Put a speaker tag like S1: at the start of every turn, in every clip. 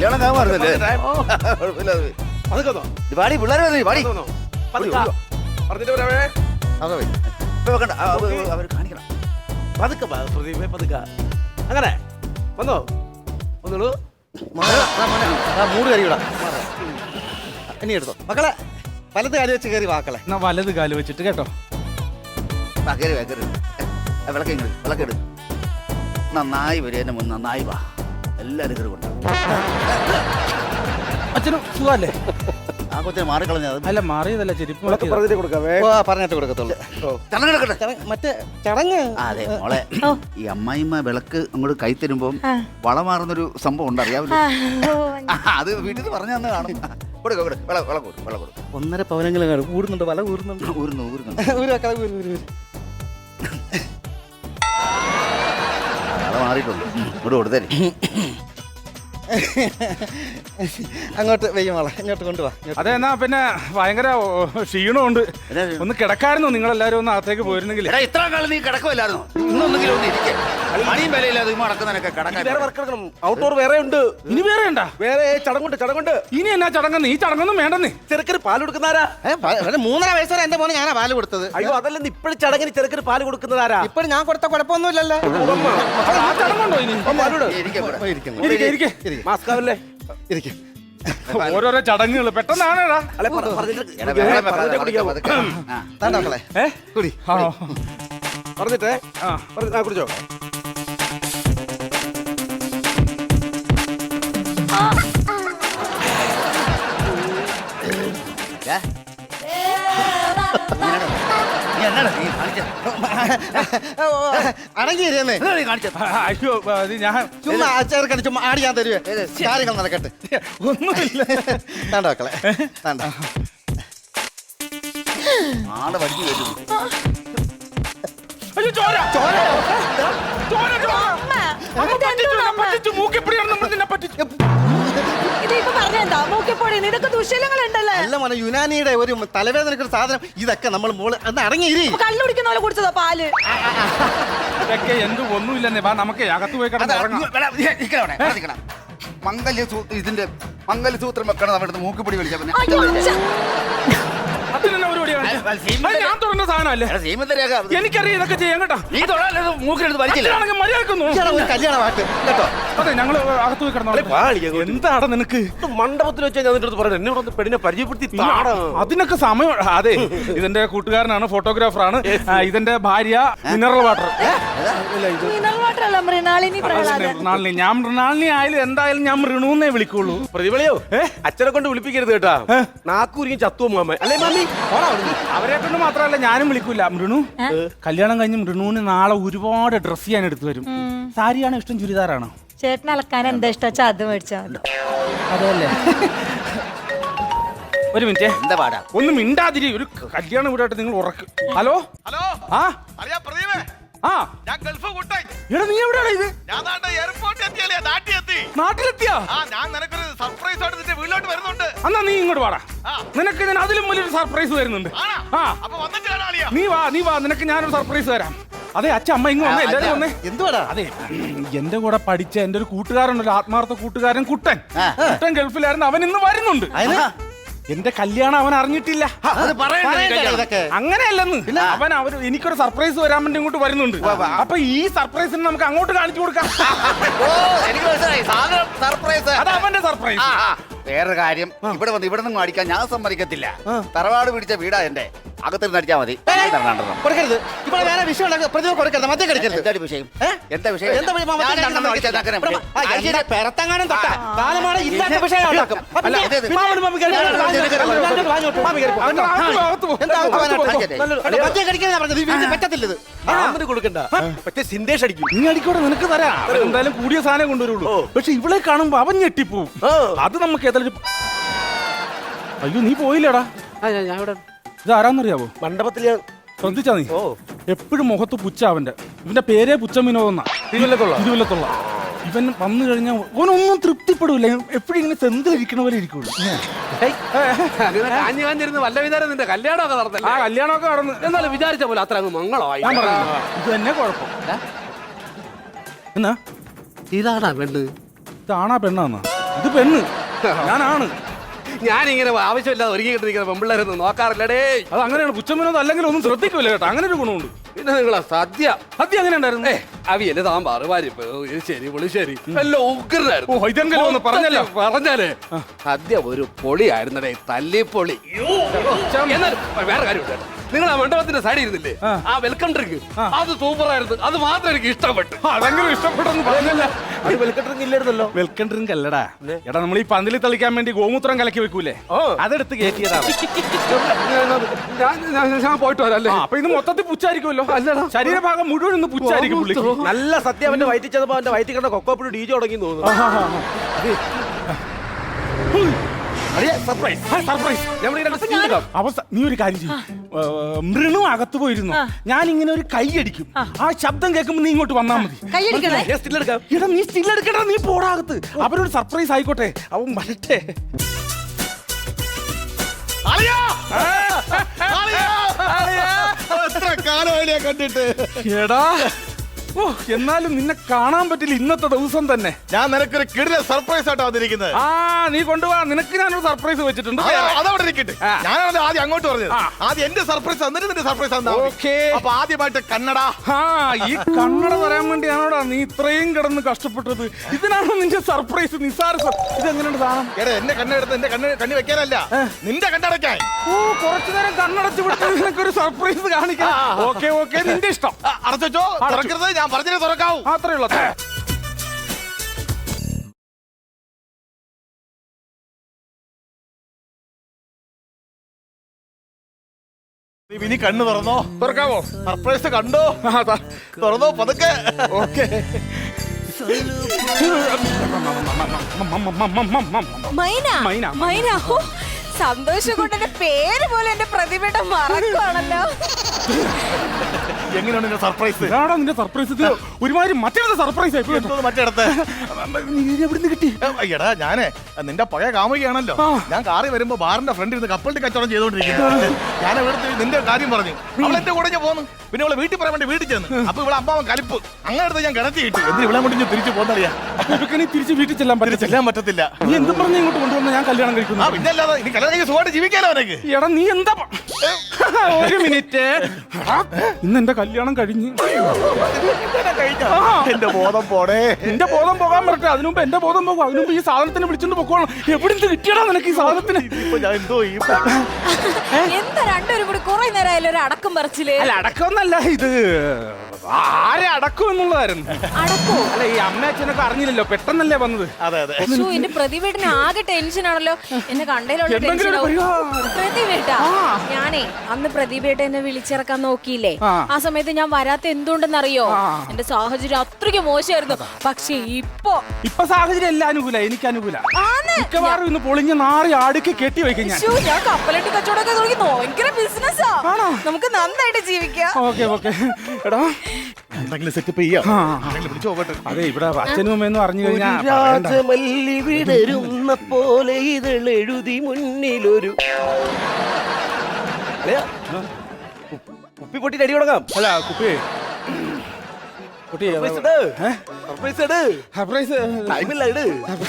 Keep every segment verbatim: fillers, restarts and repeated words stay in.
S1: കല്യാണം കാമാറുന്നല്ലേ പാടി പിള്ളേരെ പാടി അവർ കാണിക്കണം
S2: പതുക്കെ പ്രദീപേ പതുക്കെ അങ്ങനെ വന്നോ വന്നോളൂ
S1: മൂട് കറിയൂടാ ഇനി എടുത്തോ മക്കളെ വലത് കാല് വെച്ച് കയറി വാക്കളെ
S3: എന്നാ വലത് കാല് വെച്ചിട്ട് കേട്ടോ
S1: കയറി വാ കയറി വിളക്കെങ്ങ വിളക്കെടു നന്നായി വരും എന്നെ മുൻ നന്നായി വാ എല്ലാവരും കയറി കൊണ്ടാ
S3: അച്ഛനും സുഖല്ലേ
S1: ആ കൊച്ചിനെ മാറിക്കളഞ്ഞത്
S3: അല്ല മാറിയതല്ല ചെരുപ്പ്
S2: പറഞ്ഞിട്ട് കൊടുക്കാവേ
S1: പറഞ്ഞിട്ട് കൊടുക്കത്തുള്ളൂ മറ്റേ ചടങ്ങ് അതെ മോളെ ഈ അമ്മായിമ്മ വിളക്ക് അങ്ങോട്ട് കൈ തരുമ്പോ വളമാറുന്നൊരു സംഭവം ഉണ്ട് അറിയാവില്ല അത് വീട്ടിൽ പറഞ്ഞു തന്നെ കാണും ഒന്നര പവനങ്ങളും കൂടുന്നുണ്ട് വല ഊരുന്നുണ്ട് ഊരുന്നു ഊരുന്നു വല മാറിയിട്ടുണ്ട് ഇവിടെ കൊടുത്തേ അങ്ങോട്ട് വെയ്യമോളെ ഇങ്ങോട്ട് കൊണ്ടുപോവാ.
S3: അതെ എന്നാ പിന്നെ ഭയങ്കര ക്ഷീണമുണ്ട്, ഒന്ന് കിടക്കായിരുന്നു. നിങ്ങൾ എല്ലാരും ഒന്ന് അകത്തേക്ക് പോയിരുന്നെങ്കിൽ.
S1: ഇത്ര കാലം നീ കിടക്കുമല്ലായിരുന്നു, ഇന്നൊന്നെങ്കിലും ഒന്ന് ഇരിക്കേ. മണിയും വിലയില്ലാതെ നടക്കുന്നതിനൊക്കെ കിടക്കാൻ.
S2: ഔട്ട്ഡോർ വേറെ ഉണ്ട്.
S3: ഇനി വേറെ ഉണ്ടാ?
S2: വേറെ ചടങ്ങുണ്ട് ചടങ്ങുണ്ട്.
S3: ഇനി എന്നാ ചടങ്ങെന്ന്? ഈ ചടങ്ങൊന്നും വേണ്ടെന്ന്.
S2: ചെറുക്കന് പാല് കൊടുക്കുന്നതാരാ?
S1: മൂന്നര വയസ്സുവരെ എന്റെ മോനെ ഞാനാ പാല് കൊടുത്തത്.
S2: അയ്യോ അതല്ലെന്ന്, ഇപ്പോഴും ചടങ്ങിന് ചെറുക്കന് പാല് കൊടുക്കുന്നതാരാ?
S1: ഇപ്പോഴും ഞാൻ കൊടുത്ത കുഴപ്പമൊന്നുമില്ലല്ലേ.
S3: ആ ചടങ്ങുണ്ടോ ഇനി?
S2: മാസ്കാവല്ലേ
S3: ഓരോരോ ചടങ്ങുകൾ പെട്ടെന്നാണേടാ.
S2: പറഞ്ഞിട്ടേ കുടിച്ചോ.
S1: അടങ്ങിയിരുന്നേ
S3: അയ്യോ ഞാൻ
S1: ചുമ്മാ ചേർക്കണ ചുമ്മാ ആടി ഞാൻ തരുവേ. കാര്യങ്ങൾ നടക്കട്ടെ.
S3: ഒന്നുമില്ല.
S1: താണ്ട മക്കളെ താണ്ട ആളെ വണ്ടി വരുന്നു. അല്ല മോനെ, യുനാനിയുടെ ഒരു തലവേദനക്ക് സാധനം ഇതൊക്കെ നമ്മൾ മോള് അന്ന് അടങ്ങിയിരി.
S4: കള്ളുടിക്കുന്ന പോലെ കുടിച്ചതാ പാല്.
S3: ഇതൊക്കെ എന്ത് ഒന്നുമില്ലെന്നേ. വാ നമുക്ക് അകത്ത് പോയി കിടന്ന്
S1: മംഗല്യസൂത്രം, ഇതിന്റെ മംഗല്യസൂത്രം വെക്കണം. നമ്മുടെ മൂക്കുപിടി വലിച്ച പിന്നെ
S3: ഞാൻ തുടങ്ങുന്ന സാധനമല്ലേ. എനിക്കറിയാം ഇതൊക്കെ ചെയ്യാൻ കേട്ടോ.
S1: നീ തൊഴാൻ മൂക്കിനെടുത്ത് വലിച്ചില്ല. കല്യാണമായിട്ട് കേട്ടോ.
S3: അതെ ഞങ്ങള് അകത്ത് പോയി കിടന്നോ. എന്താണ് നിനക്ക്
S2: മണ്ഡപത്തിൽ വെച്ചാൽ ഞാൻ നിന്റെ പറഞ്ഞു എന്നോട് പെണ്ണിനെ പരിചയപ്പെടുത്തി.
S3: അതിനൊക്കെ സമയം. അതെ ഇതിന്റെ കൂട്ടുകാരനാണ്, ഫോട്ടോഗ്രാഫറാണ്. ഇതിന്റെ ഭാര്യ മിനറൽ വാട്ടർ. മൃണാളിനി. ഞാൻ മൃണാളിനി ആയാലും എന്തായാലും ഞാൻ മൃണൂന്നേ വിളിക്കുള്ളൂ.
S2: പ്രതിഭളിയോ അച്ഛനെ കൊണ്ട് വിളിപ്പിക്കരുത് കേട്ടാ. നാക്കൂരിക്കും ചത്തുവോ മാമ അല്ലേ മാമി?
S3: അവരെ കൊണ്ട് മാത്രമല്ല ഞാനും വിളിക്കൂല. മൃണു കല്യാണം കഴിഞ്ഞ് മൃണുവിന് നാളെ ഒരുപാട് ഡ്രസ് ചെയ്യാൻ എടുത്തു വരും. സാരിയാണോ ഇഷ്ടം ചുരിദാറാണോ?
S4: ചേട്ടൻ അലക്കാൻ എന്താ ഇഷ്ടം വെച്ചാൽ അത് മേടിച്ചാൽ.
S3: അതല്ലേ. ഒരു മിനിറ്റ്,
S1: എന്താ പാടാ?
S3: ഒന്ന് മിണ്ടാതിരി. ഒരു കല്യാണം വീടായിട്ട് നിങ്ങൾ ഉറക്ക്. ഹലോ
S5: ഹലോ
S3: ആ
S5: അറിയാ പ്രദീപേ,
S3: ആ
S5: ഞാൻ ഗൾഫ് കൂട്ടായി.
S3: എടാ നീ എവിടെയാണ് ഇത്?
S5: ഞാൻ എയർപോർട്ടിൽ എത്തിയല്ലേ, നാട്ടിലെത്തി.
S3: നാട്ടിലെത്തിയാ?
S5: ആ ഞാൻ നിനക്കൊരു സർപ്രൈസ് ആയിട്ട് നിന്റെ വീട്ടിലോട്ട് വരുന്നുണ്ട്.
S3: എന്നാ നീ ഇങ്ങോട്ട് വാടാ. നിനക്ക് ഞാൻ അതിലും വലിയൊരു സർപ്രൈസ് വരുന്നുണ്ട്.
S5: ആ അപ്പൊ വന്നിട്ട് കാണാളിയാ.
S3: നീ വാ നീ വാ നിനക്ക് ഞാനൊരു സർപ്രൈസ് തരാം. അതെ അച്ഛ അമ്മ ഇങ്ങ് വന്നേ, എല്ലാരും വന്നേ.
S1: എന്തുവാടാ?
S3: അതെ എന്റെ കൂടെ പഠിച്ച എന്റെ ഒരു കൂട്ടുകാരനല്ലോ, ആത്മാർത്ഥ കൂട്ടുകാരൻ കുട്ടൻ. കുട്ടൻ ഗൾഫിലായിരുന്നു, അവൻ ഇന്ന് വരുന്നുണ്ട്. എന്റെ കല്യാണം അവൻ അറിഞ്ഞിട്ടില്ല. അങ്ങനെയല്ലെന്ന്, അവൻ അവര് എനിക്കൊരു സർപ്രൈസ് വരാൻ വേണ്ടി ഇങ്ങോട്ട് വരുന്നുണ്ട്. അപ്പൊ ഈ സർപ്രൈസിന് നമുക്ക് അങ്ങോട്ട് കാണിച്ചു കൊടുക്കാം. അത് അവന്റെ സർപ്രൈസ്.
S1: വേറൊരു കാര്യം, ഇവിടെ വന്ന് ഇവിടെ നിന്ന് അടിക്കാൻ ഞാൻ സമ്മതിക്കത്തില്ല. തറവാട് പിടിച്ച വീടാ എന്റെ. അകത്തിരുന്ന് അടിച്ചാൽ മതി. കൊടുക്കരുത്. ഇവിടെ വേറെ വിഷയം പ്രതിഭ കൊടുക്കരുത്. മദ്യം കഴിക്കരുത്. എന്താ വിഷയം? എന്താ വിഷയം? പെരത്തങ്ങാനും തൊട്ടാ കാലമാണ് ഇല്ലാത്ത വിഷയം ഉണ്ടാക്കും. മദ്യം കഴിക്കാൻ പറഞ്ഞത് പറ്റത്തില്ലത്.
S2: കൊടുക്കണ്ട, പക്ഷേ സിന്ദേശ് അടിക്കും.
S3: നീ അടിക്കോടെ, നിനക്ക് തരാം. എന്തായാലും കൂടിയ സാധനം കൊണ്ടുവരുള്ളൂ. പക്ഷെ ഇവിടെ കാണുമ്പോ അവൻ ഞെട്ടിപ്പോവും. അത് നമുക്ക് ഏതായാലും. അയ്യോ നീ പോയില്ലടാ. ഇത് ആരാന്നറിയാവോ?
S2: മണ്ഡപത്തിൽ
S3: ശ്രദ്ധിച്ചാ നീ? എപ്പോഴും മുഖത്ത് പുച്ച അവന്റെ. ഇവന്റെ പേരേ പുച്ച വിനോദെന്നാ.
S2: തിരുവല്ലത്തുള്ള
S3: തിരുവല്ലത്തുള്ള ഇവൻ വന്നു കഴിഞ്ഞാൽ ഓനൊന്നും തൃപ്തിപ്പെടൂല. എപ്പോഴും ഇങ്ങനെ സെന്തിലിരിക്കണ പോലെ ഇരിക്കുള്ളൂ.
S2: വല്ല വിചാരം നിന്റെ കല്യാണമൊക്കെ നടന്നല്ല.
S3: ആ കല്യാണമൊക്കെ നടന്ന്
S2: എന്നാലും വിചാരിച്ച പോലെ അത്ര അങ്ങ് മംഗളമായി.
S3: ഞാൻ പറഞ്ഞു ഇത് തന്നെ കുഴപ്പം. എന്നാ
S2: ഇതാണാ പെണ്ണ്?
S3: ഇതാണാ പെണ്ണാന്നാ? ഇത് പെണ്ണ്, ഞാനാണ്.
S2: ഞാനിങ്ങനെ ആവശ്യമില്ലാതെ ഒരുങ്ങിക്കൊണ്ടിരിക്കുന്ന പെമ്പിള്ളേരൊന്നും നോക്കാറില്ലടേ.
S3: അത് അങ്ങനെയാണ്. പുച്ഛമനോ അല്ലെങ്കിൽ ഒന്നും ശ്രദ്ധിക്കൂല കേട്ടോ. അങ്ങനെ ഒരു ഗുണമുണ്ട്.
S2: പിന്നെ നിങ്ങളാ സദ്യ
S3: സദ്യ അങ്ങനെ ഉണ്ടായിരുന്നു.
S2: അവിയല് സാമ്പാറ് പരിപ്പ് ശരി പുളിശ്ശേരി എല്ലാം ഉഗ്രനായിരുന്നു.
S3: ഓ, ഇതെങ്കിലും ഒന്ന് പറഞ്ഞല്ലോ.
S2: പറഞ്ഞാലേ സദ്യ ഒരു പൊളിയായിരുന്നടേ, തല്ലിപ്പൊളി. എന്നാൽ വേറെ കാര്യമുണ്ട്, നിങ്ങൾ ആ മണ്ഡപത്തിന്റെ സൈഡിൽ ഇരുന്നില്ലേ, ആ വെൽക്കം ഡ്രിങ്ക് അത് സൂപ്പറായിരുന്നു. അത് മാത്രം എനിക്ക് ഇഷ്ടപ്പെട്ടു.
S3: അതെങ്കിലും ഇഷ്ടപ്പെട്ടെന്ന് പറഞ്ഞല്ല.
S2: അത് വെൽക്കം ഡ്രിങ്ക് ഇല്ലായിരുന്നല്ലോ.
S3: വെൽക്കം ഡ്രിങ്ക് അല്ലടാ എടാ, നമ്മൾ ഈ പന്തലിൽ തളിക്കാൻ വേണ്ടി ഗോമൂത്രം കലക്കി വെക്കൂലേ, അതെടുത്ത് കയറ്റിയതാണ്.
S2: ഞാൻ പോയിട്ട് വരാം അല്ലേ.
S3: അപ്പൊ ഇത് മൊത്തത്തിൽ പുച്ചായിരിക്കുമല്ലോ. അല്ലടാ, ശരീരഭാഗം മുഴുവൻ ഒന്ന് പുച്ചായിരിക്കും പുള്ളിക്ക്.
S2: നല്ല സത്യം. അവന്റെ വയറ്റിൽ ചെന്നപ്പോ അവന്റെ വയറ്റിൽ കണ്ട കൊക്കോപ്പിടി ഡി ജെ തുടങ്ങി തോന്നുന്നു. Surprise surprise.
S3: അവസ്ഥ നീ ഒരു കാര്യം ചെയ്യും, മൃണു അകത്ത് പോയിരുന്നു, ഞാൻ ഇങ്ങനെ ഒരു കൈ അടിക്കും, ആ ശബ്ദം കേൾക്കുമ്പോ നീ ഇങ്ങോട്ട് വന്നാ മതി. എടാ നീ സ്റ്റിൽ എടുക്കടാ, നീ പോടാകത്ത്. അവരൊരു സർപ്രൈസ് ആയിക്കോട്ടെ, അവൻ വരട്ടെ.
S5: എത്ര കാലമായില്ലേ കണ്ടിട്ട്.
S3: എടാ ഓ, എന്നാലും നിന്നെ കാണാൻ പറ്റില്ല ഇന്നത്തെ ദിവസം തന്നെ.
S5: ഞാൻ നിനക്കൊരു കിടില സർപ്രൈസ് ആയിട്ടാ വന്നിരിക്കുന്നത്.
S3: ആ നീ കൊണ്ടുപോവാ, നിനക്ക് ഞാനൊരു സർപ്രൈസ് വെച്ചിട്ടുണ്ട്.
S5: അതവിടെ ഇരിക്കട്ടെ. ഞാനാണ് ആദ്യം അങ്ങോട്ട് പറഞ്ഞത്. ആദ്യം എന്റെ സർപ്രൈസ് തന്നിട്ട് നിന്റെ സർപ്രൈസ് തന്നാ. അപ്പൊ ആദ്യമായിട്ട് കന്നഡ.
S3: ആ ഈ കന്നഡ പറയാൻ വേണ്ടിയാണോടാ നീ ഇത്രയും കിടന്ന് കഷ്ടപ്പെട്ടത്? ഇതിനാണോ നിന്റെ സർപ്രൈസ്? നിസാര ഇത് എങ്ങനെയുണ്ട് സാധനം?
S5: എടാ എന്റെ കണ്ണെടുത്ത് എന്റെ കണ്ണ് കണ്ണി വെക്കാനല്ല, നിന്റെ കണ്ണടയ്ക്കാൻ.
S3: ഓ, കുറച്ചു നേരം കണ്ണടച്ച് വിട്ട് നിനക്കൊരു സർപ്രൈസ് കാണിക്കാം. ഓക്കെ ഓക്കെ, നിന്റെ ഇഷ്ടം.
S5: അടച്ചോ, തുറക്കരുത്. ഞാൻ പറഞ്ഞത് തുറക്കാവൂ.
S3: അത്രേ ഉള്ളൂ.
S5: ഇനി കണ്ണ് തുറന്നോ?
S3: തുറക്കാവോ?
S5: സർപ്രൈസ് കണ്ടോ? തുറന്നോ പതുക്കെ.
S3: ഓക്കെ.
S4: മൈന
S3: മൈന.
S4: മൈന ഓ, സന്തോഷം കൊണ്ട് എന്റെ പേര് പോലെ എന്റെ പ്രതിഭയുടെ മറക്കുവാണല്ലോ.
S5: എങ്ങനെയാണ് നിന്റെ സർപ്രൈസ്?
S3: ഇതാണോ നിന്റെ സർപ്രൈസ്? ഇത് ഒരുമാതിരി മറ്റേ സർപ്രൈസ് ആയി.
S5: മറ്റേടത്ത്
S3: എവിടുന്ന് കിട്ടി?
S5: എടാ ഞാനേ നിന്റെ പഴയ കാമുകയാണല്ലോ. ഞാൻ കാറി വരുമ്പോ ബാറിന്റെ ഫ്രണ്ടിൽ നിന്ന് കപ്പലിന്റെ കച്ചവടം ചെയ്തോണ്ടിരിക്കുന്നു. ഞാൻ ഇവിടുത്തെ നിന്റെ കാര്യം പറഞ്ഞു. അവൾ എന്റെ കൂടെ ഞാൻ പോന്നു. പിന്നെ അവളെ വീട്ടിൽ പറയാൻ വേണ്ടി വീട്ടിൽ ചെന്ന്. അപ്പൊ ഇവിടെ അമ്മാവൻ കലിപ്പ് അങ്ങനെ എടുത്ത് ഞാൻ കിടത്തി കിട്ടി. എന്തിന് ഇവിടെ കൊണ്ട് ഞാൻ തിരിച്ചു പോകുന്നറിയാ?
S3: നീ തിരിച്ച് വീട്ടിൽ ചെല്ലാൻ പറ്റില്ല.
S5: ചെല്ലാൻ പറ്റത്തില്ല.
S3: നീ എന്തും പറഞ്ഞ് ഇങ്ങോട്ട് കൊണ്ടുവന്ന ഞാൻ കല്യാണം കഴിക്കുന്നു.
S5: പിന്നെ അല്ലാതെ ഇനി കല്യാണം കഴിച്ച് സുഖമായിട്ട് ജീവിക്കാലോ അവനക്ക്.
S3: എടാ നീ എന്താ ഒരു മിനിറ്റ്, ഇന്ന് എന്റെ കല്യാണം കഴിഞ്ഞു.
S5: എന്റെ ബോധം പോടേ.
S3: എന്റെ ബോധം പോകാൻ പറ്റേ, അതിനുമുമ്പ് എന്റെ ബോധം പോകും. അതിനുമ്പ് ഈ സാധനത്തിന് വിളിച്ചോണ്ട് പൊക്കോളാം. എവിടുന്ന് കിട്ടിയടാ നിനക്ക് ഈ സാധനത്തിന്?
S5: ഞാൻ എന്തോ ഈ
S4: എന്താ രണ്ടുപേരും കൂടി കുറെ നേരമായാലും ഒരു അടക്കം പറിച്ചില്ലേ?
S3: അല്ല അടക്കമൊന്നല്ല, ഇത് ആരെ അടക്കും എന്നുള്ളതായിരുന്നു.
S4: അടക്കോ?
S3: അല്ല ഈ അമ്മ അച്ഛനൊക്കെ അറിഞ്ഞില്ലല്ലോ, പെട്ടെന്നല്ലേ വന്നത്.
S5: അതെ അതെ.
S4: ശ്ശോ, എന്റെ പ്രതിഭേട്ടന് ആകെ ടെൻഷൻ ആണല്ലോ. എന്നെ കണ്ടതിലുള്ള
S3: എന്തെങ്കിലും ഒരു പരിഹാരം.
S4: പ്രതിഭേട്ടാ, ഞാനേ അന്ന് പ്രതിഭേട്ട എന്നെ വിളിച്ചിറക്കാൻ നോക്കിയില്ലേ, ആ സമയത്ത് ഞാൻ വരാത്ത എന്തുകൊണ്ടെന്നറിയോ? എന്റെ സാഹചര്യം അത്രയ്ക്ക് മോശമായിരുന്നു. പക്ഷെ ഇപ്പൊ
S3: ഇപ്പൊ സാഹചര്യം എല്ലാം അനുകൂല, എനിക്ക് അനുകൂല. മിക്കവാറും ഇന്ന് പൊളിഞ്ഞ നാറി അടുക്കി കെട്ടി വയ്ക്കും ഞാൻ.
S4: ശ്ശോ, ഞാൻ കപ്പലട്ടി കച്ചവടമൊക്കെ തുടങ്ങി. ഭയങ്കര ബിസിനസ്സാ. നമുക്ക് നന്നായിട്ട് ജീവിക്കാം.
S3: Okay okay. എടാ
S5: എന്തെങ്കിലും സെറ്റപ്പ് ചെയ്യാം. വിളിച്ചു പോകട്ടെ.
S3: അതെ, ഇവിടെ അച്ഛനും അമ്മയെന്ന് പറഞ്ഞു കഴിഞ്ഞാൽ
S2: രാജമല്ലി വിടരുന്ന പോലെ ഇതെഴുതി മുന്നിലൊരു കുപ്പി പൊട്ടിട്ട് അടി തുടങ്ങാം.
S3: അല്ല കുപ്പി കുട്ടി
S2: സർപ്രൈസ് ഇട്.
S3: സർപ്രൈസ്
S2: ടൈമില്ല ഇട്.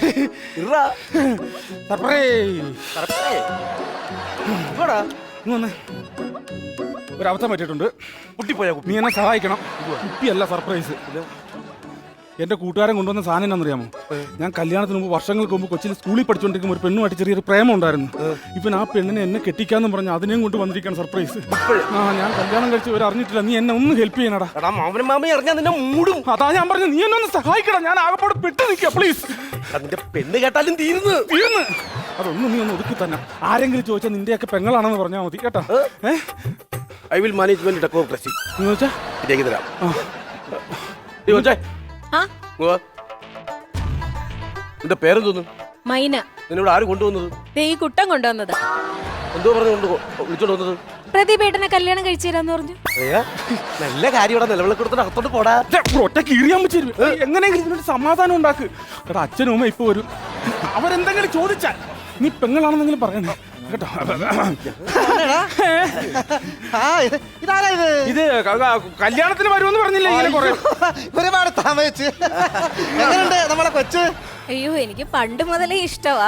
S3: ഒരു അവസ്ഥ പറ്റിയിട്ടുണ്ട്.
S2: കുട്ടിപ്പോയാ
S3: നീ എന്നെ സഹായിക്കണം. കുപ്പിയല്ല സർപ്രൈസ്. എന്റെ കൂട്ടുകാരൻ കൊണ്ടുവന്ന സാധനം എന്നാണെന്നറിയാമോ? ഞാൻ കല്യാണത്തിന് മുമ്പ് വർഷങ്ങൾക്ക് മുമ്പ് കൊച്ചിയിൽ സ്കൂളിൽ പഠിച്ചുകൊണ്ടിരിക്കുമ്പോൾ ഒരു പെണ്ണുമായിട്ട് ചെറിയൊരു പ്രേമം ഉണ്ടായിരുന്നു. ഇപ്പൊ ആ പെണ്ണിനെ എന്നെ കെട്ടിക്കാന്ന് പറഞ്ഞ് അതിനെയും കൊണ്ട് വന്നിരിക്കുകയാണ് സർപ്രൈസ്. ആ ഞാൻ കല്യാണം കഴിച്ച് ഇവർ അറിഞ്ഞിട്ടില്ല. നീ എന്നെ ഒന്ന് ഹെൽപ്പ് ചെയ്യണടാ.
S2: മാമനും മാമയും അറിഞ്ഞാൽ നിന്നെ മൂടും.
S3: അതാ ഞാൻ പറഞ്ഞു, നീ എന്നെ ഒന്ന് സഹായിക്കണം. ഞാൻ ആകെപ്പാട് പെട്ട് നിൽക്കുക പ്ലീസ്.
S2: അതിന്റെ പെണ്ണ് കേട്ടാലും തീരുന്നു
S3: തീർന്ന് അതൊന്നും നീ ഒന്ന് ഒതുക്കി തന്നെ. ആരെങ്കിലും ചോദിച്ചാൽ നിന്റെയൊക്കെ പെങ്ങളാണെന്ന് പറഞ്ഞാൽ മതി കേട്ടോ. ഏഹ്
S2: ഐ വിൽ മാനേജ്മെന്റ് ഡെമോക്രസി
S3: എന്ന് വെച്ചാ
S2: ഇതേക്ക് തരാം. നിന്റെ പേരെന്തോന്നു?
S4: മൈന.
S2: നിന്നോട് ആര് കൊണ്ടുവന്നത്?
S4: ഈ കുട്ടം കൊണ്ടുവന്നത്.
S2: എന്തോ പറഞ്ഞു കൊണ്ട് വിളിച്ചോണ്ട് വന്നത്?
S4: പ്രതിഭേട്ടനെ കല്യാണം കഴിച്ചു തരാന്ന് പറഞ്ഞു.
S2: നല്ല കാര്യം ഇവിടെ നിലവിളക്ക് കൊടുത്തിട്ട് അകത്തോട്ട് പോടാ.
S3: ഒറ്റ കീറിയാൻ പറ്റും. എങ്ങനെയെങ്കിലും ഇതിനൊരു സമാധാനം ഉണ്ടാക്ക്. എടാ അച്ഛനും അമ്മ ഇപ്പൊ വരും. അവരെന്തെങ്കിലും ചോദിച്ചാൽ നീ പെങ്ങളാണെന്നെങ്കിലും പറയണേ കേട്ടോ. ഇത് കല്യാണത്തിന് വരുമെന്ന് പറഞ്ഞില്ലേ?
S6: ഒരുപാട് താമസിച്ച്. എങ്ങനെയുണ്ട് നമ്മളെ കൊച്ച്?
S4: അയ്യോ എനിക്ക് പണ്ട് മുതലേ ഇഷ്ടവാ.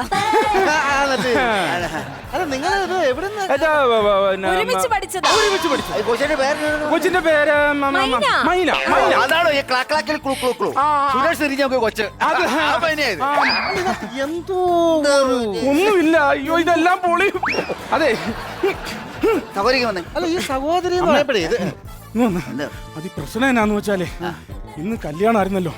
S6: അല്ല നിങ്ങൾ എവിടുന്ന്
S3: ഏതാ, വ- വ- പിന്നെ,
S4: ഒരുമിച്ച് പഠിച്ചതാ.
S3: ഒരുമിച്ച് പഠിച്ചു.
S6: കൊച്ചിന്റെ പേര്
S3: കൊച്ചിന്റെ പേര് മ- മ-
S4: മൈന.
S3: മൈന മൈന
S1: അതാണോ ഈ ക്ലാക്കിൽ ക്ലൂ ക്ലൂ ക്ലൂ സുരേഷ് തിരിഞ്ഞ കൊച്ച്
S3: അത്
S1: ആ പയ്യനെയാ ഇത്.
S3: ആ,
S6: എന്തോ
S3: ഒന്നുമില്ല. അയ്യോ ഇതെല്ലാം പൊളി. അതെ
S1: സഹോദരിക്ക് വന്നേ.
S6: അല്ല ഈ സഹോദരി എന്ന് പറയപ്പെടേ ഇത്
S3: ഇങ്ങ് വന്ന്.
S1: എന്താ?
S3: അത് ഈ പ്രശ്നം എന്നാന്ന് വെച്ചാലേ ഇന്ന് കല്യാണം ആയിരുന്നല്ലോ.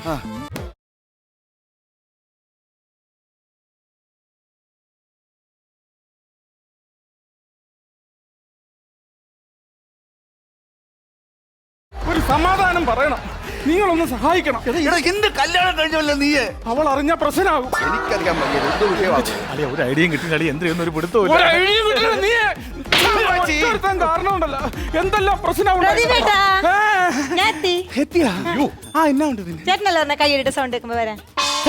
S3: ഒരു സമാധാനം പറയണം. നിങ്ങളൊന്ന് സഹായിക്കണം.
S1: എടാ എന്ത് കല്യാണം കഴിഞ്ഞല്ലോ നീയെ?
S3: അവൾ അറിഞ്ഞ പ്രശ്നമാകും.
S1: എനിക്കറിയാൻ വയ്യ എന്ത് വിഷയമാണ്.
S5: അളിയ ഒരു ഐഡിയയും കിട്ടില്ല അളിയ എന്ത് ചെയ്യുന്ന ഒരു പിടുത്തവും
S3: ഒരു
S5: ഇല്ല.
S3: ഐഡിയ കിട്ടില്ല. നീ ഒറ്റൊരുത്തൻ കാരണമുണ്ടല്ലോ എന്തെല്ലാം പ്രശ്നം
S7: പ്രതിഭേട്ടാ. ഞാൻ എത്തി.
S3: എത്തിയാ? ആ എന്നാ ഉണ്ട് പിന്നെ?
S7: ചേട്ടനല്ലേ പറഞ്ഞ കൈയ്യടിയുടെ സൗണ്ട് കേൾക്കുമ്പോ വരാൻ?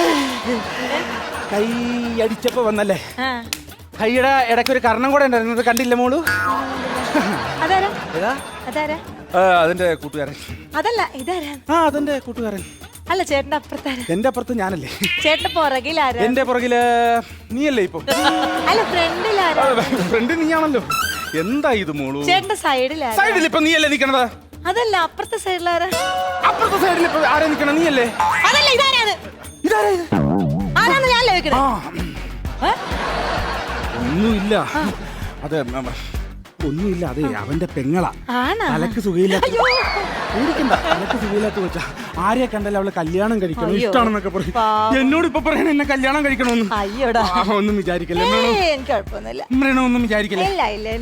S3: കൈ അടിച്ചപ്പോ വന്നല്ലേ?
S7: ആ.
S3: കൈയുടെ ഇടയ്ക്ക് ഒരു കർണം കൂടെ ഉണ്ടായിരുന്നത് കണ്ടില്ല മോളു?
S7: അതാരാ?
S3: ഏതാ?
S7: അതാരാ?
S3: ആ, അതിന്റെ കൂട്ടുകാരൻ.
S7: അതല്ല, ഇതാരാ?
S3: ആ അതിന്റെ കൂട്ടുകാരൻ.
S7: അല്ല, ചേട്ടന്റെ അപ്പുറത്താരാ?
S3: എന്റെ അപ്പുറത്ത് ഞാനല്ലേ?
S7: ചേട്ടന്റെ പുറകിലാരാ?
S3: എന്റെ പുറകില് നീയല്ലേ ഇപ്പൊ?
S7: അല്ല, ഫ്രണ്ടിലാരാ?
S3: ഫ്രണ്ട് നീയാണല്ലോ. എന്താ ഇത് മോളു?
S7: ചേട്ടന്റെ സൈഡിലാരാ?
S3: സൈഡിൽ ഇപ്പൊ നീയല്ലേ നിക്കണത്?
S7: അതല്ല, അപ്പുറത്തെ സൈഡിലാരാ?
S3: അപ്പുറത്തെ സൈഡിൽ ഇപ്പൊ ആരാ നിക്കണ? നീയല്ലേ?
S7: അതല്ല, ഇതാരാണ്?
S3: ഇതാരാ ഇത്?
S7: ആരാന്ന് ഞാനല്ലേ വെക്കണേ?
S3: ആ ഒന്നുമില്ല. അതെ മ- മ- ഒന്നുമില്ല. അതെ അവന്റെ പെങ്ങളാ.
S7: ആണാ?
S3: തലക്ക് സുഖയില്ലാത്ത പേടിക്കണ്ട. തലക്ക് സുഖയില്ലാത്ത വെച്ചാ ആരെയെ കണ്ടല്ലോ അവളെ കല്യാണം കഴിക്കണം
S7: അയ്യോ.
S3: ഇഷ്ടമാണെന്നൊക്കെ പറയും.
S7: പാവം.
S3: എന്നോട് ഇപ്പൊ പറയണ എന്നെ കല്യാണം കഴിക്കണമെന്ന്.
S7: അയ്യോടാ.
S3: ആ, ഒന്നും വിചാരിക്കല്ലേ
S7: ഏയ്, എനിക്ക് കുഴപ്പമൊന്നുമില്ല.
S3: മൃണ ഒന്നും വിചാരിക്കല്ലേ.
S7: ഇല്ല ഇല്ല ഇല്ല.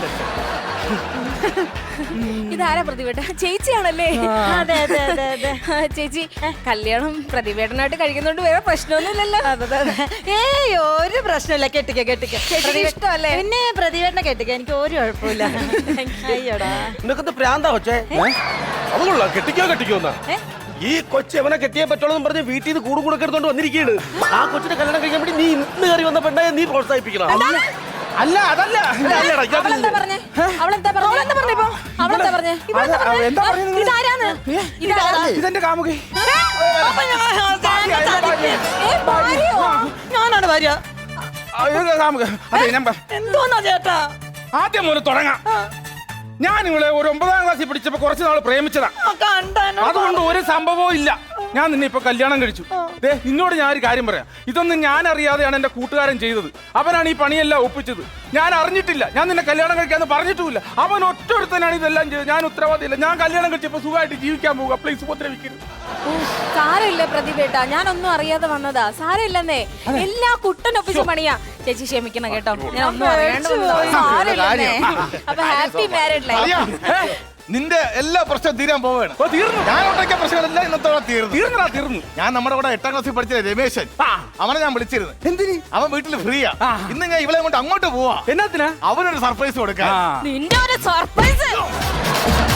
S4: ഇതാരാ പ്രതിഭേട്ട? ചേച്ചിയാണല്ലേ?
S7: അതെ അതെ അതെ അതെ.
S4: ആ, ചേച്ചി കല്യാണം പ്രതിഭേട്ടനായിട്ട് കഴിക്കുന്നോണ്ട് വേറെ പ്രശ്നമൊന്നുമില്ലല്ലോ.
S7: ഏയ്, ഒരു പ്രശ്നമില്ല. കെട്ടിക്ക കെട്ടിക്ക.
S4: ചേച്ചിക്ക് ഇഷ്ടമല്ലേ?
S7: പിന്നെ പ്രതിവേട്ടനെ കെട്ടിക്ക, എനിക്ക് ഒരു കുഴപ്പമില്ല. അയ്യോടാ.
S6: നിനക്കത് പ്രാന്താ കൊച്ചേ? അതുകൊള്ളാം, കെട്ടിക്കോ കെട്ടിക്കോന്നാ.
S7: ഏ?
S6: ഈ കൊച്ചു എവനെ കെട്ടിയേ പറ്റുള്ളൂ എന്ന് പറഞ്ഞ് വീട്ടിൽ നിന്ന് കൂട് കൊടുക്കെടുത്തോണ്ട് വന്നിരിക്കുകയാണ്. ആ കൊച്ചിനെ കല്യാണം കഴിക്കാൻ വേണ്ടി നീ ഇന്ന് കയറി വന്ന പെണ്ണായ നീ പ്രോത്സാഹിപ്പിക്കണം.
S3: അല്ല അതല്ല.
S6: അല്ലടാ, ഇയാൾ
S4: അവളെന്താ പറഞ്ഞേ? അവളെന്താ പറഞ്ഞേ? അവളെന്താ പറഞ്ഞേ ഇപ്പൊ? അവളെന്താ പറഞ്ഞേ?
S3: അത് ആ, എന്താ പറയുന്നത് നിങ്ങള്?
S4: ഇതാരാണ്? ഇതാരാ?
S3: ഇതെന്റെ കാമുകി.
S4: ഏ, ഭാര്യയോ?
S7: ഞാനാണ് ഭാര്യ.
S3: ആ, ഇത് കാമുക. അതെ ഞാൻ പ-
S7: എന്തോന്നാ ചേട്ടാ?
S3: ആദ്യം മുതൽ തുടങ്ങാം. ഞാൻ ഇവളെ ഒരു ഒമ്പതാം ക്ലാസ്സിൽ പിടിച്ചപ്പോ കുറച്ച് നാൾ പ്രേമിച്ചതാ.
S7: കണ്ടാനോ?
S3: അതുകൊണ്ട് ഒരു സംഭവവും ഇല്ല. ഞാൻ നിന്നെ ഇപ്പൊ കല്യാണം കഴിച്ചു. ദേ നിന്നോട് ഞാൻ ഒരു കാര്യം പറയാം. ഇതൊന്നും ഞാൻ അറിയാതെയാണ് എന്റെ കൂട്ടുകാരൻ ചെയ്തത്. അവനാണ് ഈ പണിയെല്ലാം ഒപ്പിച്ചത്. ഞാൻ അറിഞ്ഞിട്ടില്ല. ഞാൻ നിന്നെ കല്യാണം കഴിക്കാന്ന് പറഞ്ഞിട്ടുമില്ല. അവൻ ഒറ്റൊരുത്തനാണ് ഇതെല്ലാം ചെയ്തത്. ഞാൻ ഉത്തരവാദിയില്ല. ഞാൻ കല്യാണം കഴിച്ചപ്പോ സുഖമായിട്ട് ജീവിക്കാൻ പോകുക. പ്ലീസ് ഉപദ്രവിക്കരുത്.
S4: സാരമില്ല പ്രതിഭേട്ട, ഞാനൊന്നും അറിയാതെ വന്നതാ. സാരമില്ലെന്നേ, എല്ലാ കുട്ടനൊപ്പിച്ച് പണിയാ. ചേച്ചി ക്ഷമിക്കണം കേട്ടോ, ഞാൻ ഒന്നും അറിയാണ്ട് വന്നതാ. സാരമില്ലെന്നേ. അപ്പൊ ഹാപ്പി മാരീഡ് ലൈഫ്.
S5: അളിയാ, നിന്റെ എല്ലാ പ്രശ്നവും തീരാൻ പോവുകയാണ്.
S3: ഓ, തീർന്നു.
S5: ഞാൻ ഉണ്ടാക്കിയ പ്രശ്നങ്ങളെല്ലാം ഇന്നത്തോടെ തീർന്നു.
S3: തീർന്നടാ തീർന്നു.
S5: ഞാൻ നമ്മുടെ കൂടെ എട്ടാം ക്ലാസ്സിൽ പഠിച്ച രമേശൻ,
S3: ആ.
S5: അവനെ ഞാൻ വിളിച്ചിരുന്നു.
S3: എന്തിന്?
S5: അവൻ വീട്ടിൽ ഫ്രീയാ.
S3: ആ.
S5: ഇന്ന് ഞാൻ ഇവളെ കൊണ്ട് അങ്ങോട്ട് പോവാ.
S3: എന്നാത്തിനാ?
S5: അവനൊരു സർപ്രൈസ് കൊടുക്കാൻ.
S3: ആ.
S4: നിന്റെ ഒരു സർപ്രൈസ്.